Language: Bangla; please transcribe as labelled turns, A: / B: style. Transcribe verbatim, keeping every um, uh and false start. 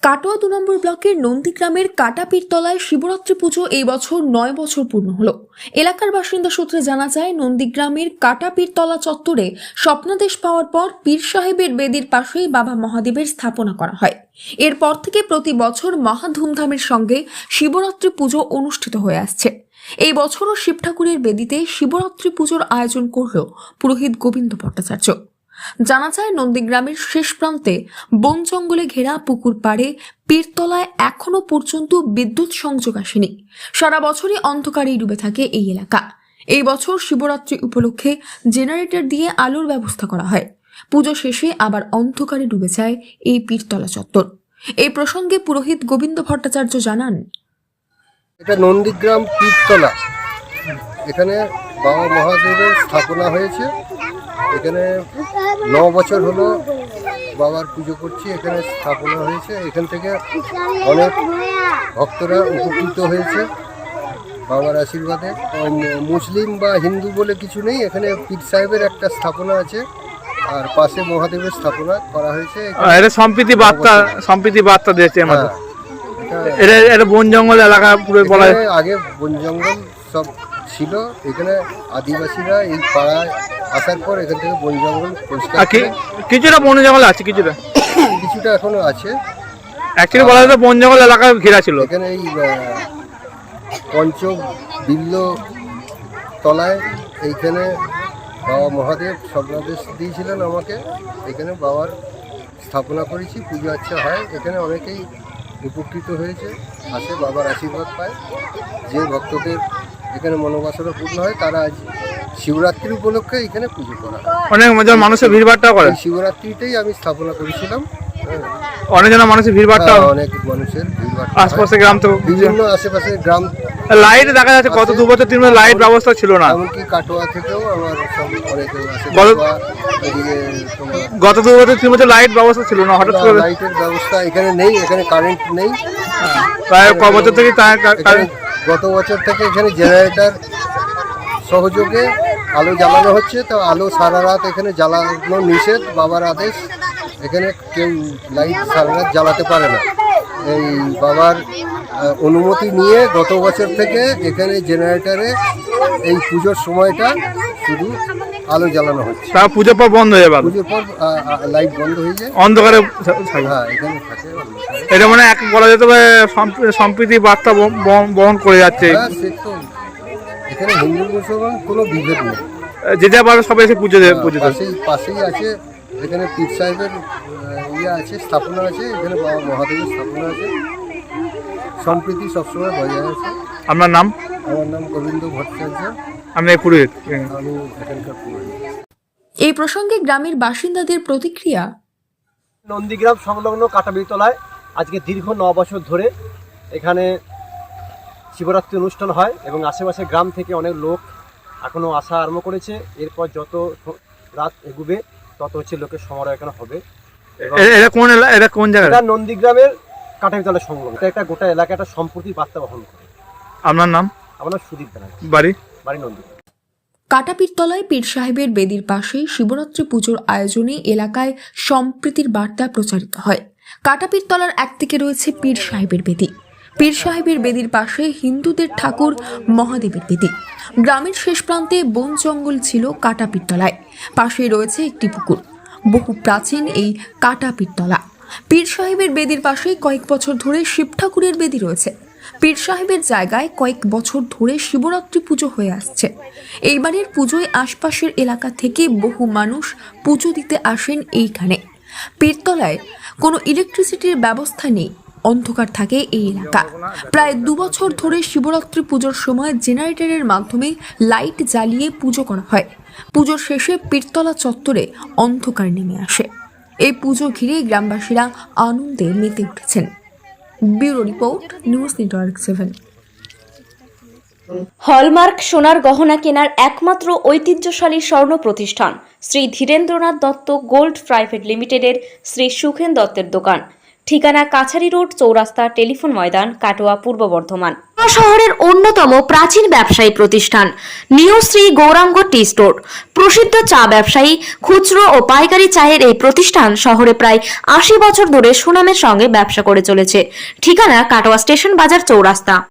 A: কাটোয়া দু নম্বর ব্লকের নন্দীগ্রামের কাটাপীরতলায় শিবরাত্রি পুজো এই বছর নয় বছর পূর্ণ হলো। এলাকার বাসিন্দা সূত্রে জানা যায়, নন্দীগ্রামের কাটাপীরতলা চত্বরে স্বপ্নাদেশ পাওয়ার পর পীর সাহেবের বেদির পাশেই বাবা মহাদেবের স্থাপনা করা হয়। এরপর থেকে প্রতি বছর মহা ধুমধামের সঙ্গে শিবরাত্রি পুজো অনুষ্ঠিত হয়ে আসছে। এই বছরও শিব ঠাকুরের বেদিতে শিবরাত্রি পুজোর আয়োজন করল পুরোহিত গোবিন্দ ভট্টাচার্য। জানা যায়, নন্দীগ্রামের শেষ প্রান্তে বন জঙ্গলে ঘেরা পুকুর পাড়ে পীরতলায় এখনো পর্যন্ত বিদ্যুৎ সংযোগ আসেনি। সারা বছরই অন্ধকারেই ডুবে থাকে এই এলাকা। এই বছর শিবরাত্রি উপলক্ষে জেনারেটর দিয়ে আলোর ব্যবস্থা করা হয়। পুজো শেষে আবার অন্ধকারে ডুবে যায় এই পীরতলা চত্বর। এই প্রসঙ্গে পুরোহিত গোবিন্দ ভট্টাচার্য জানান,
B: এটা নন্দীগ্রাম পীরতলা, এখানে বাবা মহাদেবের স্থাপনা হয়েছে। এখানে ন বছর হলো বাবার পুজো করছি। এখানে স্থাপনা হয়েছে, এখান থেকে অনেক ভক্তরা উপকৃত হয়েছে বাবার আশীর্বাদে। মুসলিম বা হিন্দু বলে কিছু নেই, এখানে পীর সাহেবের একটা স্থাপনা আছে আর পাশে মহাদেবের স্থাপনা করা হয়েছে।
C: এটা সম্প্রীতি বার্তা সম্প্রীতি বার্তা দিয়েছে আমাদের। এটা এটা বন জঙ্গল এলাকা পুরো বলা যায়।
B: আগে বন জঙ্গল সব ছিল, এখানে আদিবাসীরা এই পাড়ায় আসার পর এখান থেকে বন জঙ্গল পরিষ্কার,
C: কিছুটা বন জঙ্গল আছে, কিছুটা
B: কিছুটা এখনো আছে।
C: অ্যাকচুয়ালি বলা যায় বন জঙ্গল এলাকা ঘেরা ছিল।
B: এখানে এই পঞ্চ বিল্ল তলায় এইখানে বাবা মহাদেব স্বপ্নাদেশ দিয়েছিলেন আমাকে। এখানে বাবার স্থাপনা করেছি, পুজো আচ্ছা হয়। এখানে অনেকেই উপকৃত হয়েছে, আসে বাবার আশীর্বাদ পায়। যে ভক্তদের এখানে মনোবাসনা পূর্ণ হয় তারা আজ শিবরাত্রি উপলক্ষে এখানে পুজো করা হয়।
C: অনেক মানুষের ভিড়ভাড়টা করে।
B: শিবরাত্রিতেই আমি স্থাপনা করেছিলাম।
C: অনেক জন মানুষের ভিড়ভাড়টা,
B: অনেক মানুষের ভিড়ভাড়
C: আশপাশে গ্রাম তো
B: বিভিন্ন আশেপাশের গ্রাম।
C: লাইট দেখা যাচ্ছে গত দু বছর তিন বছর লাইট ব্যবস্থা ছিল না।
B: এমনকি কাটোয়া থেকেও আমার সব অনেকে আসে।
C: গত দু বছর তিন বছর লাইট ব্যবস্থা ছিল না, হঠাৎ করে
B: লাইটের ব্যবস্থা এখানে নেই, এখানে কারেন্ট নেই।
C: প্রায় ক বছর থেকে
B: গত বছর থেকে এখানে জেনারেটর সহযোগে আলো জ্বালানো হচ্ছে। তো আলো সারা রাত এখানে জ্বালানো নিষেধ, বাবার আদেশ। এখানে কেউ লাইট সারা রাত জ্বালাতে পারে না। এই বাবার অনুমতি নিয়ে গত বছর থেকে এখানে জেনারেটরে এই পুজোর সময়টা শুধু আলো জ্বালানো হচ্ছে।
C: তা পুজোর পর বন্ধ হয়ে যাবে,
B: পুজোর পর লাইট বন্ধ হয়ে যায়,
C: অন্ধকারে।
B: হ্যাঁ, এখানে থাকে।
C: এটা মানে এক বলা যেতে পারে সম্প্রীতি বার্তা বহন করে যাচ্ছে।
B: এখানে হিন্দু মুসলমান কোনো বিভেদ নেই,
C: যে যা পারে সবাই এসে পুজো দেয়। পুজো
B: পাশেই পাশেই আছে, এখানে পীর সাহেবের ইয়ে আছে, স্থাপনা আছে। এখানে বাবা মহাদেবের স্থাপনা আছে। সম্প্রীতি সবসময় বজায় আছে।
C: আপনার নাম?
B: আমার নাম গোবিন্দ ভট্টাচার্য।
C: আমি পুরোহিত।
B: আমি এখানকার পুরোহিত।
A: এই প্রসঙ্গে গ্রামের বাসিন্দাদের প্রতিক্রিয়া।
D: নন্দীগ্রাম সংলগ্ন কাটাপীরতলায় আজকে দীর্ঘ ন বছর ধরে এখানে শিবরাত্রি অনুষ্ঠান হয় এবং আশেপাশে গ্রাম থেকে অনেক লোক এখনও আসা আরম্ভ করেছে। এরপর যত রাত এগুবে তত হচ্ছে লোকের সমারোহ এখানে হবে।
C: এটা কোন এটা কোন জায়গা?
D: এটা নন্দীগ্রামের কাটাপীরতলা সংলগ্ন। এটা একটা গোটা এলাকা একটা সম্প্রীতির বার্তা বহন করে।
C: আপনার নাম?
D: আমার নাম সুদীপ ব্যানার্জি।
C: বাড়ি?
D: বাড়ি নন্দীগ্রাম।
A: কাটাপীরতলায় পীর সাহেবের বেদির পাশেই শিবরাত্রি পুজোর আয়োজনে এলাকায় সম্প্রীতির বার্তা প্রচারিত হয়। কাটাপীরতলার একদিকে রয়েছে পীর সাহেবের বেদি। পীর সাহেবের বেদির পাশে হিন্দুদের ঠাকুর মহাদেবের বেদি। গ্রামের শেষ প্রান্তে বন জঙ্গল ছিল কাটাপীরতলায়। পাশেই রয়েছে একটি পুকুর। বহু প্রাচীন এই কাটাপীরতলা। পীর সাহেবের বেদির পাশে কয়েক বছর ধরে শিব ঠাকুরের বেদি রয়েছে। পীর সাহেবের জায়গায় কয়েক বছর ধরে শিবরাত্রি পুজো হয়ে আসছে। এইবারের পুজোয় আশপাশের এলাকা থেকে বহু মানুষ পুজো দিতে আসেন এইখানে। পীরতলায় কোনো ইলেকট্রিসিটির ব্যবস্থা নেই, অন্ধকার থাকে এই এলাকা। প্রায় দু বছর ধরে শিবরাত্রি পুজোর সময় জেনারেটরের মাধ্যমে লাইট জ্বালিয়ে পুজো করা হয়। পুজোর শেষে পীরতলা চত্বরে অন্ধকার নেমে আসে। এই পুজো ঘিরে গ্রামবাসীরা আনন্দে মেতে উঠেছেন। Bureau report, news network seven.
E: Hallmark সোনার গহনা কেনার একমাত্র ঐতিহ্যশালী স্বর্ণ প্রতিষ্ঠান শ্রী ধীরেন্দ্রনাথ দত্ত গোল্ড প্রাইভেট লিমিটেডের শ্রী সুখেন দত্তের দোকান। ঠিকানা কাছারি রোড, চৌরাস্তা, টেলিফোন ময়দান, কাটোয়া, পূর্ব বর্ধমান। শহরের অন্যতম প্রাচীন ব্যবসায়ী প্রতিষ্ঠান new Shri Gauranga tea store. প্রসিদ্ধ চা ব্যবসায়ী, খুচরো ও পাইকারি চায়ের এই প্রতিষ্ঠান শহরে প্রায় আশি বছর ধরে সুনামের সঙ্গে ব্যবসা করে চলেছে। ঠিকানা কাটোয়া স্টেশন বাজার, চৌরাস্তা।